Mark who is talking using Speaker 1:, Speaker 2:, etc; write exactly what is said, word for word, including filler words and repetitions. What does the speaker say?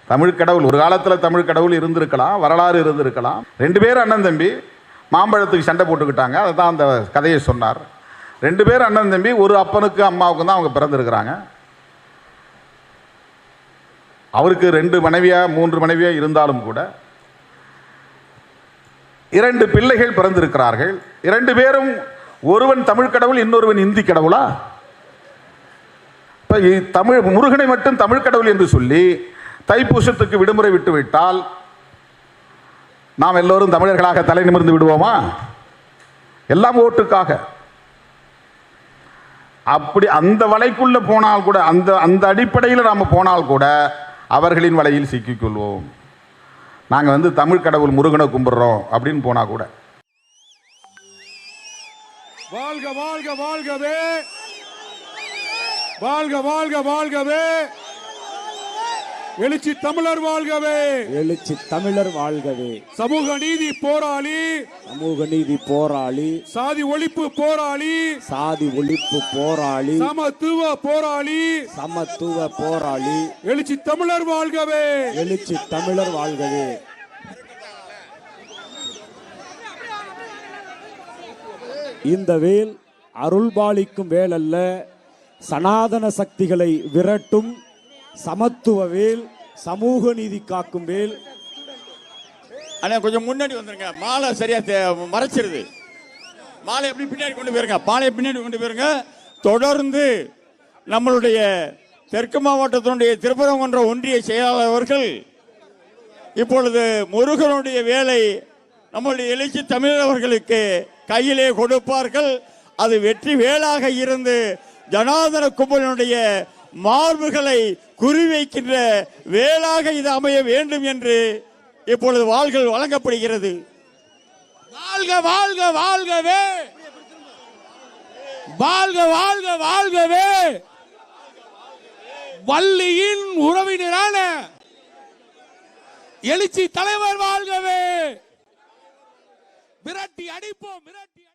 Speaker 1: தமிழ் கடவுள் ஒரு காலத்தில் தமிழ் கடவுள் இருந்திருக்கலாம், வரலாறு இருந்திருக்கலாம். ரெண்டு பேரும் அண்ணன் தம்பி மாம்பழத்துக்கு சண்டை போட்டுக்கிட்டாங்க. அதை தான் அந்த கதையை சொன்னார். ரெண்டு பேரும் அண்ணன் தம்பி, ஒரு அப்பனுக்கு அம்மாவுக்கு தான் அவங்க பிறந்திருக்கிறாங்க. அவருக்கு ரெண்டு மனைவியா மூன்று மனைவியா இருந்தாலும் கூட இரண்டு பிள்ளைகள் பிறந்திருக்கிறார்கள். இரண்டு பேரும் ஒருவன் தமிழ் கடவுள், இன்னொருவன் இந்தி கடவுளா? இப்போ தமிழ் முருகனை மட்டும் தமிழ் கடவுள் என்று சொல்லி தைப்பூசத்துக்கு விடுமுறை விட்டு விட்டால் நாம் எல்லோரும் தமிழர்களாக தலை நிமிர்ந்து விடுவோமா? எல்லாம் ஓட்டுக்காக. அப்படி அந்த வலைக்குள்ள போனால் கூட, அந்த அந்த அடிப்படையில் நாம் போனால் கூட அவர்களின் வலையில் சிக்கிக்கொள்வோம். நாங்கள் வந்து தமிழ் கடவுள் முருகனை கும்பிடுறோம் அப்படின்னு போனா கூட.
Speaker 2: வாழ்க வாழ்க வாழ்கவே, வாழ்க வாழ்க வாழ்கவே, எழுச்சி தமிழர் வாழ்கவே,
Speaker 3: எழுச்சி தமிழர் வாழ்கவே.
Speaker 2: சமூக நீதி போராளி,
Speaker 3: சமூக நீதி போராளி,
Speaker 2: சாதி ஒழிப்பு போராளி,
Speaker 3: சாதி ஒழிப்பு போராளி,
Speaker 2: சமத்துவ போராளி,
Speaker 3: சமத்துவ போராளி,
Speaker 2: எழுச்சி தமிழர் வாழ்கவே,
Speaker 3: எழுச்சி தமிழர் வாழ்கவே. இந்த வேல் அருள்பாலிக்கும் வேல் அல்ல, சனாதன சக்திகளை விரட்டும் சமத்துவ வேல், சமூக நீதி காக்கும் வேல்.
Speaker 4: அண்ணா கொஞ்சம் முன்னாடி வந்துருங்க, மாலை சரியா மறைச்சிருது. மாலை எப்படி பின்னாடி கொண்டு போயிருங்க, மாலையை பின்னாடி கொண்டு போயிருங்க. தொடர்ந்து நம்மளுடைய தெற்கு மாவட்டத்தினுடைய திருப்பரங்குன்ற ஒன்றிய செயலாளர் அவர்கள் இப்பொழுது முருகனுடைய வேலை நம்முடைய எழுச்சி தமிழர் அவர்களுக்கு கையிலே கொடுப்பார்கள். அது வெற்றி வேலாக இருந்து ஜனார்தன கும்பலினுடைய மார்புகளை குறிவைக்கின்ற வேளாக இது அமைய வேண்டும் என்று இப்பொழுது வாள்கள் வழங்கப்படுகிறது.
Speaker 2: வாழ்க வாழ்க வாழ்கவே, வாழ்க வாழ்க வாழ்கவே. வள்ளியின் உறவினரான எழுச்சி தலைவர் வாழ்கவே. விரட்டி அடிப்போம், விரட்டி